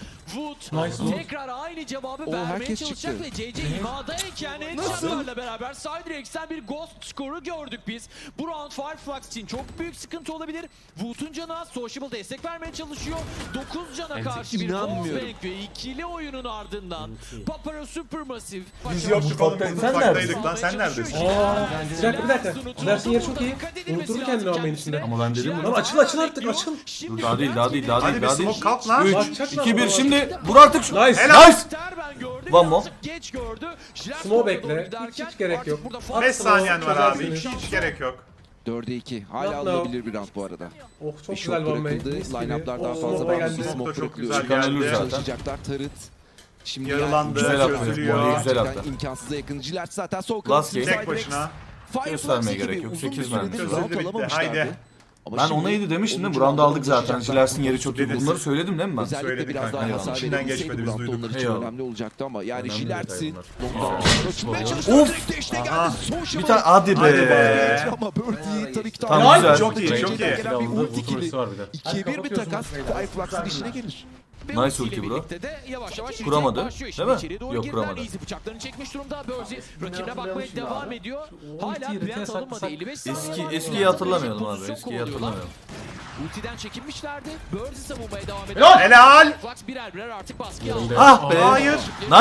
B: Wood tekrar aynı cevabı vermeye
D: herkes
B: çalışacak
D: çıktı.
B: ve JJ imadayken headshotlarla beraber Cydrex'ten bir ghost skoru gördük biz. Bu round Fireflux için çok büyük sıkıntı olabilir. Wood'un canı az, Sociable destek vermeye çalışıyor. 9 cana karşı bir
D: inanmıyorum.
B: Wallbang ve ikili oyunun ardından Papara Supermassive.
C: Biz yoktuk oğlum biz mutfaktaydık lan sen neredesin?
G: Bir dakika. Dersin yeri çok iyi. Unutur kendini ama benim içinde.
F: Ama ben dedim
G: Lan açıl artık açıl.
F: Dur, daha değil, daha değil, daha
C: Hadi bir
F: daha değil.
C: smoke kalk lan.
F: 3,
G: Bakacak lan
F: 2, 1
G: baba.
F: şimdi vur artık şu.
G: Nice.
F: Nice.
B: Terben gördü.
F: One more.
B: Birazcık geç gördü.
G: Smoke bekle. Hiç gerek yok.
C: 5 saniyen var abi.
G: Çözersiniz.
C: Hiç gerek yok.
D: 4'e 2. Hala
G: Yapma.
D: alınabilir bir round bu arada.
G: Oh çok
D: Bir
G: güzel
D: shot
G: one
D: bırakıldı.
G: Mis gibi.
D: Line-up'lar daha
G: Oh,
D: fazla
G: smoke'a
D: var.
G: geldi.
C: Smoke da çok
D: Smoke
C: güzel
F: Çıkan ölür
C: geldi.
F: zaten.
D: Çalışacaklar. Tarıt. Şimdi
C: Yaralandı,
F: Güzel attı.
C: çözülüyor.
F: Voleyi güzel
D: gerçekten
F: attı.
D: imkansıza yakın. Jilet zaten sol
F: Last
D: kanat.
F: game.
C: Tek başına.
F: Göstermeye gerek yok. 8 vermiş.
C: Çözüldü bitti. Haydi.
F: Ben ona 7 demiştim değil mi? Bu round'u aldık zaten. Jilersin yeri çok iyi.
C: Dedin.
F: Bunları söyledim değil mi ben?
D: Özellikle
C: Söyledik
D: biraz
C: kanka,
D: daha
C: eyvallah.
D: hasar
C: İçinden
D: verebilseydi
C: geçmedi,
D: bu
C: biz
D: roundda
C: duyduk.
D: onlar için
F: Eyvallah.
D: önemli olacaktı ama yani
F: Önemli
D: Jilert'si
F: detay
D: çıkmaya
F: bunlar.
D: çalışıyor.
F: Of!
D: Direkt deşte geldi.
C: Aha.
F: Bir tane hadi
C: Hadi
F: be.
C: be.
D: Ama Birdie tabii ki
F: Tamam,
D: daha-
F: güzel.
C: Çok iyi,
D: JJ'den
C: çok iyi.
D: gelen bir
E: Silahında
D: ulti
E: vurdu
D: kili.
E: ultisi var bir de.
D: 2'ye 1 bir takas. Fireflux'ın işine gelir.
F: Nice ulti bro. Kuramadı, değil mi? Yok, kuramadı.
B: Easy bıçaklarını çekmiş durumda. Burzy rakibine bakmaya devam ediyor. Hala
G: ultiyi
B: plant
G: retest
B: alınmadı.
G: atsak-
B: 55 saniye var.
F: Eskiyi hatırlamayalım abi.
B: Pozisyon
F: Eskiyi
B: kovalıyorlar.
F: hatırlamayalım.
B: Ultiden çekinmişlerdi. Burzy savunmaya devam ediyor.
C: Helal.
B: Flux birer birer artık baskıya aldı.
F: Ah be.
C: Hayır.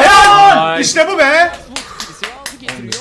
F: Nice.
C: İşte bu be.
B: Silahı getiriyor.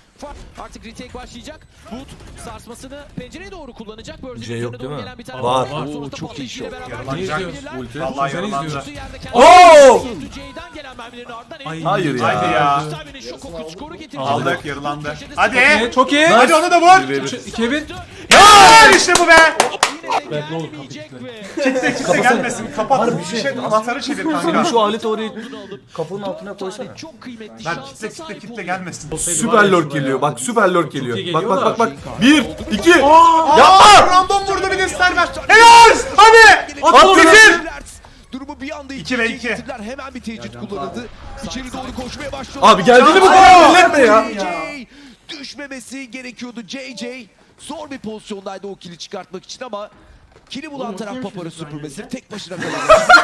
B: Artık retake başlayacak. Wood sarsmasını pencereye doğru kullanacak. Burzy
F: C yok
B: üzerine
F: değil
B: doğru
F: mi?
B: gelen bir tane
F: Var.
B: Sonrasında
D: çok iyi
B: patlayıcıyla
D: shot.
B: beraber
C: Yaralanacak.
B: geçebilirler.
F: Ulti.
C: Vallahi
G: Sen
C: yaralandı.
G: izliyorsun.
B: Yerde kendi-
F: Oo!
B: C'den gelen mermilerin ardından
F: Hayır ya.
C: Haydi ya.
B: Sterben'in şok oku skoru getirecek.
C: Aldık, yarılandı.
B: Köşede
C: Hadi.
G: Çok iyi.
C: Hadi onu da vur.
G: 2'ye 1.
C: Helal işte bu be.
B: Yine de
G: ne olur,
B: gelmeyecek ve
C: Kimse gelmesin. Kapat bir şey. Anahtarı çevir
F: Senin
C: kanka.
F: şu aleti oraya
B: bunu alıp
F: kapının altına
B: dört
F: koysana.
B: tane çok kıymetli
C: Lan
B: şansa
C: kitle
B: sahip
C: kitle
B: oluyor.
C: gelmesin.
F: Süper lord geliyor. Bak süper lord geliyor.
E: iyi
F: Bak
E: geliyor
F: bak
E: da.
F: bak bak. 1 2
C: Yapma. Random vurdu bir de Sterben. Helal. Hadi. At bitir.
D: Durumu bir anda
C: 2 ve 2.
D: getirdiler. Hemen bir tecrit kullanıldı. İçeri doğru koşmaya başlıyor.
F: Abi geldiğini bu
C: Aa!
F: kadar milletme ya.
D: JJ düşmemesi gerekiyordu. JJ zor bir pozisyondaydı o kili çıkartmak için ama kili bulan taraf Papara Supermassive tek başına kalan.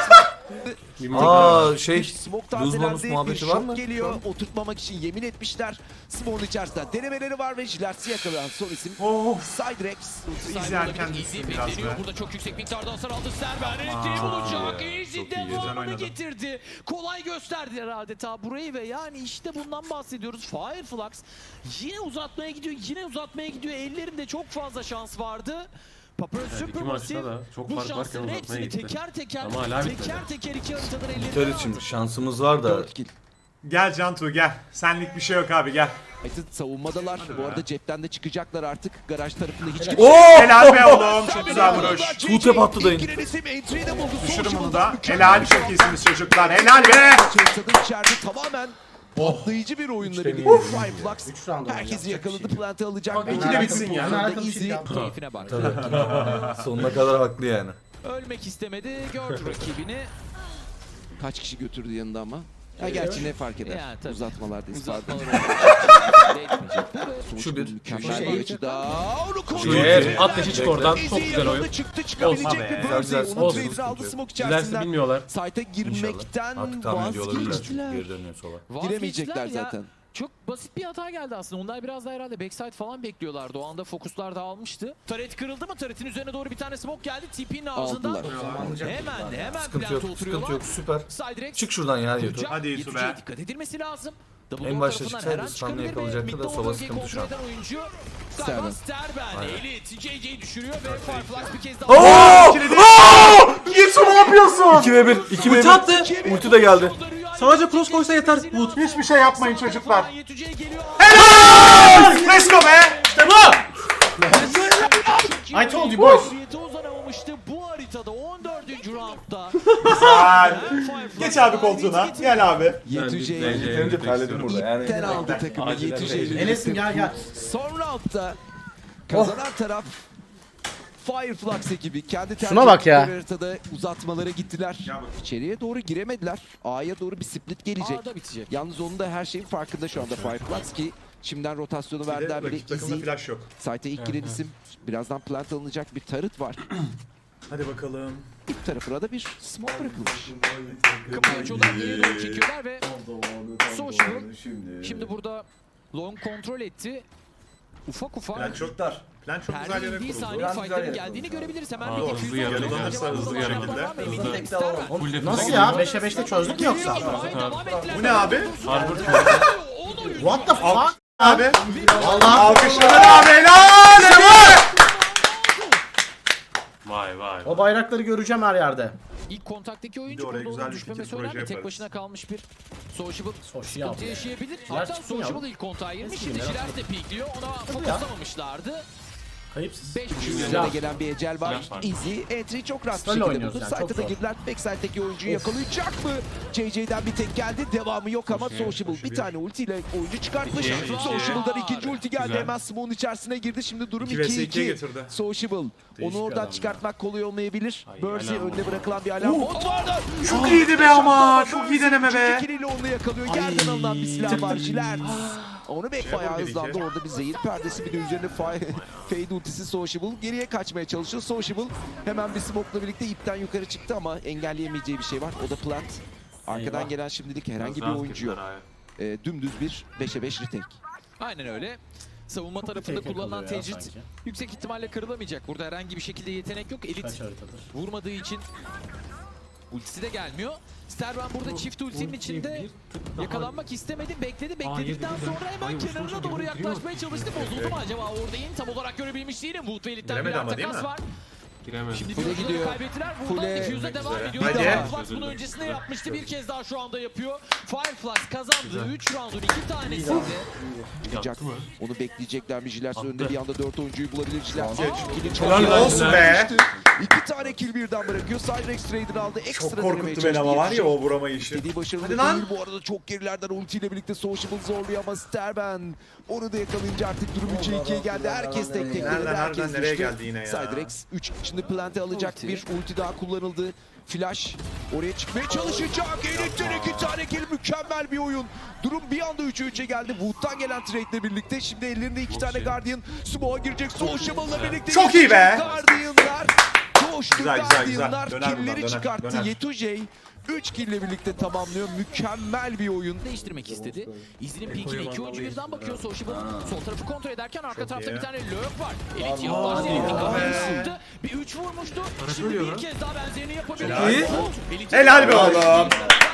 F: Aa şey
D: Smoke
F: lose bonus
D: tazelendi. Bir
F: muhabbeti var
D: şok
F: mı?
D: geliyor. Oturtmamak için yemin etmişler. Smoke'un içerisinde denemeleri var ve Jilert'i yakalayan son isim
C: Oh.
D: Cydrex.
C: Easy erken
B: Easy
C: düştün biraz
B: bekleniyor.
C: be.
B: Burada çok yüksek miktarda hasar aldı Sterben. Elektriği bulacak. Easy
F: çok iyi,
C: güzel
B: devamını
C: oynadı.
B: getirdi. Kolay gösterdiler adeta burayı ve yani işte bundan bahsediyoruz. Fireflux yine uzatmaya gidiyor. Yine uzatmaya gidiyor. Ellerinde çok fazla şans vardı. Papara
E: iki
B: Supermassive
E: maçta da çok
B: bu
E: fark varken
B: şansların
E: uzatmaya
B: hepsini
E: gitti.
B: teker teker
E: Ama hala bitmedi.
B: teker iki haritadan ellerinden
F: Biter
B: aldı.
F: için şansımız var da
D: 4 kill.
C: Gel Cantu gel. Senlik bir şey yok abi gel.
D: United savunmadalar. Bu arada cepten de çıkacaklar artık. Garaj tarafında hiç
F: Oo!
C: Helal be oğlum. Çok güzel vuruş.
F: Tuğte attı dayın.
C: Düşürün bunu da. Helal çok iyisiniz çocuklar. Helal be.
D: Çeyrik'te içeride tamamen patlayıcı bir oyunla birlikte Fireflux
A: Üç round
D: herkesi yakaladı, plant'ı alacak.
C: İki de bitsin ya.
D: Easy.
B: Keyfine bak.
F: sonuna kadar haklı yani.
B: Ölmek istemedi. Gördü rakibini.
D: Kaç kişi götürdü yanında ama. Ya gerçi ne fark eder?
B: Yani tabii.
D: Uzatmalardayız.
B: Uzatmalar
D: Pardon.
F: Şu bir.
D: Mükemmel
A: Şu
D: bir açıda. Onu
F: Şu
D: koruyor.
F: iki.
E: At deşi çık oradan. Çok güzel oyun.
D: Yakaladı, çıktı çıkabilecek
C: Olsun
D: mi
C: be.
F: Güzel, güzel.
D: Burzy? Onun
F: Olsun,
D: trade'i aldı
F: sıkıntı
D: smoke
E: Dilerse
D: içerisinden.
E: bilmiyorlar.
D: Site'a girmekten
F: Artık tahmin ediyor olabilirler çünkü
D: vazgeçtiler.
F: geri dönüyor sola.
D: Giremeyecekler
B: Vazgeçtiler ya.
D: zaten.
B: Çok basit bir hata geldi aslında. Onlar biraz da herhalde backside falan bekliyorlardı. O anda fokuslar dağılmıştı. Taret kırıldı mı? Taret'in üzerine doğru bir tane smoke geldi. TP'nin ağzından.
D: Aldılar.
B: Hemen
F: Sıkıntı yok,
B: plant'a
F: sıkıntı
B: oturuyorlar.
F: yok. Süper.
B: Siderex
F: Çık şuradan ya Yeto.
B: kuracak.
C: Hadi Yusuf
B: Yetüce'ye
C: be.
B: dikkat edilmesi lazım. Double
F: En
B: door
F: başta
B: tarafından
F: çıksaydı
B: her an
F: Stanley
B: çıkabilir ve
F: yakalayacaktı da
B: mid
F: Sova
B: bölgeyi
F: sıkıntı şu an.
B: kontrol eden oyuncu
D: Sterben.
B: Sterben. Elit JJ'yi düşürüyor ve Fireflux bir kez daha.
F: Oo! Oo! Yeto ne yapıyorsun? 2 ve 1. 2 ve 1.
G: Ulti attı.
F: Ulti de geldi.
G: Sadece cross koysa yeter. Wood.
C: Hiçbir şey yapmayın çocuklar.
B: Yetüce'ye geliyor.
C: Let's go be. İşte bu.
A: I told you boys.
B: Uzanamamıştı. Bu haritada 14. roundda.
C: Güzel. Geç abi koltuğuna. Gel abi.
D: Yetüce'yi
F: Yeterince terledim burada yani.
D: ipten aldı takımı. Yetüce'yi.
A: Enes'im gel.
D: Son roundda kazanan taraf Fireflux ekibi kendi
A: Şuna bak ya.
D: tercih haritada uzatmalara gittiler. İçeriye doğru giremediler. A'ya doğru bir split gelecek.
B: A'da bitecek.
D: Yalnız onun da her şeyin farkında şu anda Fireflux ki şimdiden rotasyonu verdiler bile.
C: Rakip takımda
D: Easy.
C: flash yok.
D: Site'e ilk giren isim. Birazdan plant alınacak bir tarıt var.
C: Hadi bakalım.
D: İlk tarafına da bir smoke bırakılmış.
B: Kapıyı açıyorlar, geriye doğru çekiyorlar ve Social şimdi burada long kontrol etti. Ufak
C: Plan çok
B: ufak
C: dar. Plan çok güzel yere
B: perdelendiği
C: kuruldu.
B: saniye fightların geldiğini görebiliriz. Hemen bir
E: hızlı
B: defüzyon
E: yarılıyor.
C: Yarılanırsa hızlı bir şekilde.
E: Full defuze
A: Nasıl
E: gidiyor.
A: ya? 5'e 5'te çözdük mü yoksa?
C: Bu ne abi?
E: Harbor
A: What the fuck?
C: Abi.
A: Vallahi
C: Alkışlar abi. Helal. Helal.
E: Vay vay.
A: o bayrakları göreceğim her yerde.
B: İlk kontaktaki
C: Bir
B: oyuncu
C: de oraya
B: burada
C: güzel
B: onun
C: bir
B: düşmemesi
C: fikir, proje
B: önemli. Tek
C: yaparız.
B: başına kalmış bir Sociable
A: Social
B: sıkıntı
A: ya.
B: yaşayabilir.
A: Jiler
B: Hatta
A: çıksın ya.
B: Sociable ilk kontağa girmiş. Şimdi
A: Merak
B: Jiler de pikliyor. Ona fokuslamamışlardı.
A: Kayıpsız.
B: 5
D: Üzerine gelen bir ecel var.
E: Flash var.
D: Easy entry çok rahat bir
A: Style
D: şekilde
A: oynuyoruz
D: buldu.
A: yani, çok
D: Site'a da
A: zor.
D: girdiler. Backside'deki oyuncuyu yakalayacak mı? JJ'den bir tek geldi. Devamı yok ama Sociable bir tane ultiyle oyuncu çıkartmış.
E: İki.
D: Sociable'dan ikinci ulti geldi.
E: Güzel.
D: Hemen smoke'un içerisine girdi. Şimdi durum
C: 2 vs 2'ye
D: 2-2.
C: getirdi.
D: Sociable. Onu
A: Değişik
D: oradan
A: adam
D: çıkartmak kolay olmayabilir. Bursey
E: alarm
D: önde bırakılan bir alarm bot vardı.
C: Çok iyiydi be ama. Çok iyi deneme be.
D: İkiliyle onu yakalıyor. Yerden alınan bir silah var. Jiler. Onu bayağı
C: yapabilir
D: hızlandı.
C: ki.
D: Orada bir zehir perdesi, bir de üzerine fade ultisi Sociable. Geriye kaçmaya çalışıyor. Sociable hemen bir smoke'la birlikte ipten yukarı çıktı ama engelleyemeyeceği bir şey var. O da plant. Arkadan
A: Eyvah.
D: gelen şimdilik herhangi bir oyuncu yok. Dümdüz bir 5'e 5 retake.
B: Aynen öyle. Savunma tarafında
A: Tek
B: kullanılan
A: yakalıyor ya
B: tecrit
A: sanki.
B: yüksek ihtimalle kırılamayacak. Burada herhangi bir şekilde yetenek yok. Elit
A: Kaç haritadır?
B: vurmadığı için ultisi de gelmiyor. Sterben burada çift ultinin içinde yakalanmak istemedi. Bekledikten sonra hemen kenarına doğru yaklaşmaya çalıştı. Bozuldu mu acaba orada in? Tam olarak görebilmiş değilim. Wood ve Elit'ten
C: Giremedi
B: bir
C: ama değil
B: takas
C: mi?
B: var.
E: Giremedi.
B: Şimdi
D: Full'e
B: bir
D: gidiyor.
B: gidiyor. Kaybettiler. Buradan
D: Full'e
B: defuse'a devam ediyor.
C: Hadi.
B: Fireflux bunun öncesinde yapmıştı. Bir kez daha şu anda yapıyor. Fireflux kazandı. 3 roundun 2 tanesinde.
D: Çıkacak.
E: mı?
D: Onu bekleyecekler mi? Jiler
E: Attı.
D: önünde bir anda 4 oyuncuyu bulabilir. Jiler
C: Helal olsun be.
D: 2 tane kill birden bırakıyor. Cyrex Trader aldı. Ekstra
C: Çok
D: denemeye
C: korkuttu beni ama
D: çalıştı.
C: var ya o vurama işi.
D: İstediği başarılı
C: Hadi lan.
D: değil bu arada, çok gerilerden ultiyle birlikte Sociable zorluyor ama Sterben onu da yakalayınca artık durum 3'e 2'ye geldi. Herkes tek tek
C: Nereden,
D: denedi, herkes
C: nereden, nereye
D: düştü.
C: geldi yine ya?
D: Cydrex 3 içinde plante alacak
B: Ulti.
D: bir ulti daha kullanıldı. Flash oraya çıkmaya çalışacak. Elit'ten 2 tane kill, mükemmel bir oyun. Durum bir anda 3'e 3'e geldi. Wood'dan gelen trade'le birlikte şimdi ellerinde 2 tane
E: iyi.
D: Guardian. Smoke'a girecek Sociable'la birlikte.
C: Çok iyi be.
D: Guardian'lar. Coştu
C: Güzel, güzel, güzel.
D: Guardian'lar.
C: Döner
D: Kill'leri
C: buradan, döner,
D: çıkarttı.
C: döner.
D: Yetujey 3 kill'le birlikte tamamlıyor. Mükemmel bir oyun.
B: Değiştirmek istedi. İzinin pinkine 2 oyuncu birden bakıyor. Sociable sol tarafı kontrol ederken arka tarafta
C: iyi.
B: bir tane lurk var. Elit yaklaştı. Elit kafayı sıktı. Bir 3 vurmuştu. Şimdi bir kez daha benzerini yapabilir.
C: Helal.
B: Elit-
C: Helal be oğlum.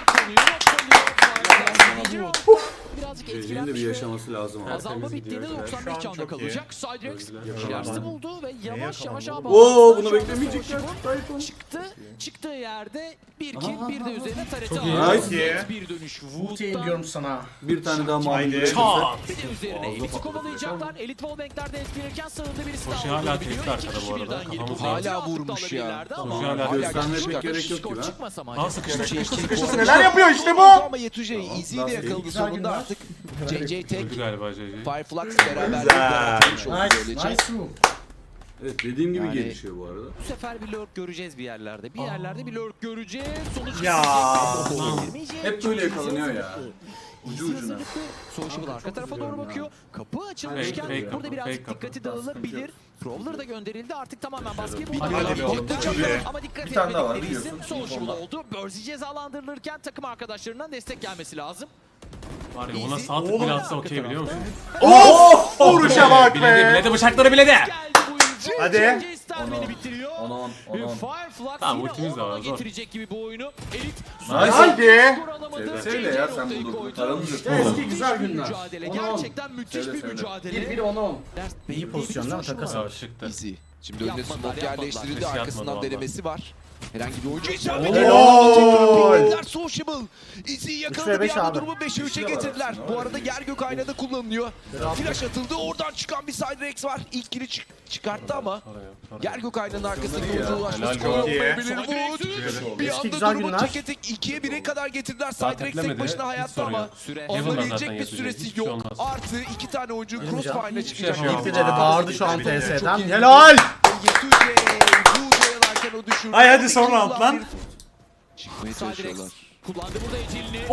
B: Birazcık
H: Gecenin de bir
B: etkilenmiş ve
H: yaşaması lazım abi.
B: azalma bittiğinde
C: Şu
B: 95
C: an
B: canda
C: çok iyi.
B: kalacak. Cydrex Şilersi buldu ve yavaş yavaş abi.
H: Oo, bunu beklemeyecekler.
B: Çıktığı yerde bir kill bir de üzerine tarete
A: iyi.
B: aldı.
C: Nice.
B: Net bir dönüş.
A: Ultiyim
B: Wood'dan
A: diyorum sana.
H: Bir tane daha
C: Haydi.
H: mavi.
B: bir de üzerine Elit'i kovalayacaklar. Elit wallbank'lerden etkilenirken sağında birisi
E: Koşu
B: daha
E: hala
B: vurabiliyor.
E: tehdit
B: İki
E: arkada
B: kişi
E: bu arada.
B: birden gelip
E: Kafamız
B: bu
D: hala
B: ultiyi
D: vurmuş
B: aldıklarla
D: ya.
B: belirlerdi ama
E: Koşu hala
H: göstermek
B: skor
H: gerek yok
B: skor
H: gibi ha.
B: çıkmasa mı
E: Aa
B: acaba?
E: sıkıştı.
C: Sıkıştı, neler yapıyor işte bu?
D: Ama Yetujey easy'yi de yakaladı
A: Güzel
D: sonunda
A: günler.
D: artık. JJ tek.
E: Öldü galiba JJ.
D: Fireflux beraber
C: Güzel.
D: yaratmış oldu
A: Nice,
D: böylece.
A: nice move.
H: Evet dediğim gibi
D: Yani-
H: gelişiyor bu arada.
B: Bu sefer bir lurk göreceğiz bir yerlerde. Bir yerlerde bir lurk göreceğiz. Sonuç
C: Ya.
H: Hep böyle yakalanıyor ya. Ucu ucuna.
B: Sociable arka tarafa doğru bakıyor. Kapı açılmışken
E: Fake kapı,
B: burada birazcık
E: fake kapı.
B: dikkati dağılabilir. Prowler da gönderildi. Artık tamamen baskıyı
D: Bir
B: buldu.
C: Hadi be oğlum, çok iyi.
B: Ama dikkat
H: Bir tane daha var,
B: etmedikleri isim
H: biliyorsun.
B: Sociable oldu. Bursey cezalandırılırken takım arkadaşlarından destek gelmesi lazım.
E: Var ya ona sağ tık
C: Oğlum.
E: bile atsa okey biliyor musun?
C: Of! Vuruşa bak
E: Biledi
C: be.
E: biledi bıçakları biledi.
B: Geldi bu oyuncu.
C: Hadi.
B: JJ Sterben'i bitiriyor.
H: Onu
B: Fireflux
E: Tamam,
B: yine
E: ultimiz de var,
B: 10'a
E: zor.
B: getirecek gibi bu oyunu. Elit
C: Hadi.
B: skor alamadı.
H: Söyle
B: JJ
H: ya, sen
B: noktayı
H: bunu
B: koydu.
H: paramız yok.
A: Eski güzel
B: Bir
A: günler.
B: mücadele.
H: Onu al.
B: Gerçekten müthiş
H: Söyle,
B: bir
H: söyle.
B: mücadele.
A: 1-1 10-10.
B: Ders
A: İyi pozisyon değil mi? Takas
B: var.
A: var.
E: Çıktı.
D: Easy. Şimdi önüne
B: Yapmadılar,
D: smoke
B: yapmadılar.
D: yerleştirildi.
E: Ses
D: Arkasından
E: yapmadı
D: denemesi var. Herhangi bir oyuncu
A: Helal!
D: Sociable. İzi'yi
A: 3 ve
D: yakaladı, bir
A: 5
D: anda
A: abi.
D: durumu 5'e 3'e getirdiler. Bu arada yer gök aynada kullanılıyor. Flash atıldı, oradan çıkan bir Siderex var. İlk kili çıkarttı ama yer gök aynanın arkasındaki oyuncuya ulaşması
C: Helal,
D: kolay
C: çok iyi.
D: olmayabilir. Wood bir
A: Eski
D: anda
A: güzel
D: durumu
A: günler.
D: tek tek 2'ye 1'e kadar getirdiler. Siderex tek
E: teklemedi,
D: başına
E: hiç
D: hayatta
E: sorun
D: ama
E: yok.
B: Süre.
E: Heaven'dan
D: alınabilecek
E: zaten
D: bir
E: yazıyor,
D: süresi
E: hiçbir şey
D: yok.
E: olmaz.
D: Artı 2 tane oyuncu
A: Girmeyeceğim.
D: Crossfire'la
E: şey
D: çıkacak.
E: yapamam.
A: İlk de bağırdı şu an
C: Çok iyi.
A: TS'den.
D: iyi.
A: Helal!
D: Yetüce bu oyalarken o düşürdü.
C: Ay hadi son round lan.
D: Çıkmaya
B: Siderex
D: çalışıyorlar.
B: kullandı burada ecilini.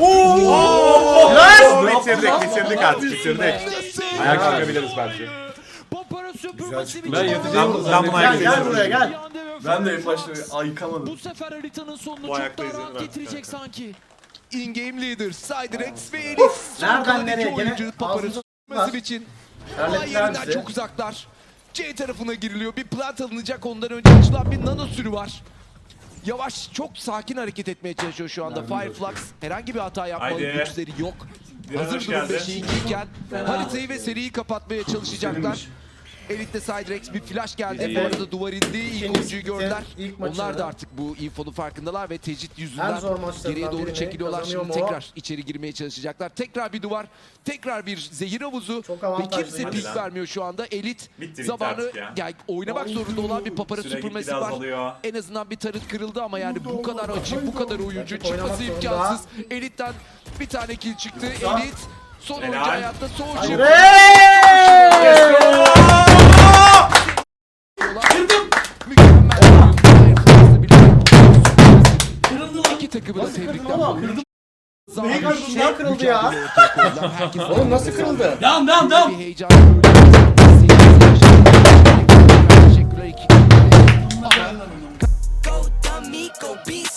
C: Bitirdik artık bitirdik. Ayak çıkabiliriz belki.
B: Popara süpürmesi
H: Ben yatacağım.
C: Ben bunu ayak
A: Gel buraya gel.
H: Ben de ilk başta ayıkamadım.
B: Bu sefer haritanın sonunu
C: Bu
B: çok
C: ayakta
B: daha
C: izlenir
B: rahat
C: artık
B: getirecek
C: kanka.
B: sanki.
D: In-game leader Siderex ve Elif.
A: Nereden nereye? Gene
D: Oyuncu Papar'ı
A: ağzınıza
D: tutması
A: var.
D: için
A: Terlettiler
D: olay yerinden
A: bizi.
D: çok uzaklar. C tarafına giriliyor. Bir plant alınacak. Ondan önce açılan bir nano sürü var. Yavaş, çok sakin hareket etmeye çalışıyor şu anda Fireflux. Herhangi bir hata yapmalı
C: Haydi.
D: güçleri yok.
C: Direniş
D: Hazır durum
C: geldi.
D: 5'e 2 iken haritayı ve seriyi kapatmaya çalışacaklar. Elit'te Siderex bir flash geldi. Bu arada duvar indi. İlk
A: İkinci
D: oyuncuyu gördüler.
A: ilk maçını-
D: Onlar da artık bu infonun farkındalar ve tecrit
A: En
D: yüzünden
A: zor maçlarından
D: geriye doğru
A: birini
D: çekiliyorlar.
A: kazanıyor
D: Şimdi
A: mu o?
D: tekrar içeri girmeye çalışacaklar. Tekrar bir duvar, tekrar bir zehir havuzu
A: Çok
D: ve
A: avantajlı.
D: kimse
C: Hadi
D: pik
C: lan.
D: vermiyor şu anda. Elit
C: Bitti
D: zamanı
C: artık ya.
D: yani oynamak zorunda olan bir papara
C: Süre
D: süpürmesi
C: gitgide
D: var.
C: azalıyor.
D: En azından bir tarıt kırıldı ama yani bu kadar açık, bu kadar oyuncu
A: Rakip oynamak
D: çıkması
A: zorunda.
D: imkansız. Elit'ten bir tane kill çıktı. Elit son oyuncu
C: Helal.
D: hayatta Soldier.
A: Hey!
D: İki takımı da tebrikler.
A: Oğlum.
D: Zaman
A: Neyi kırıldı? Şey kırıldı ya.
D: Herkes
A: Oğlum nasıl kırıldı?
H: Devam devam devam.
D: bir heyecan. Teşekkürler iki.
I: Go dummy, go beast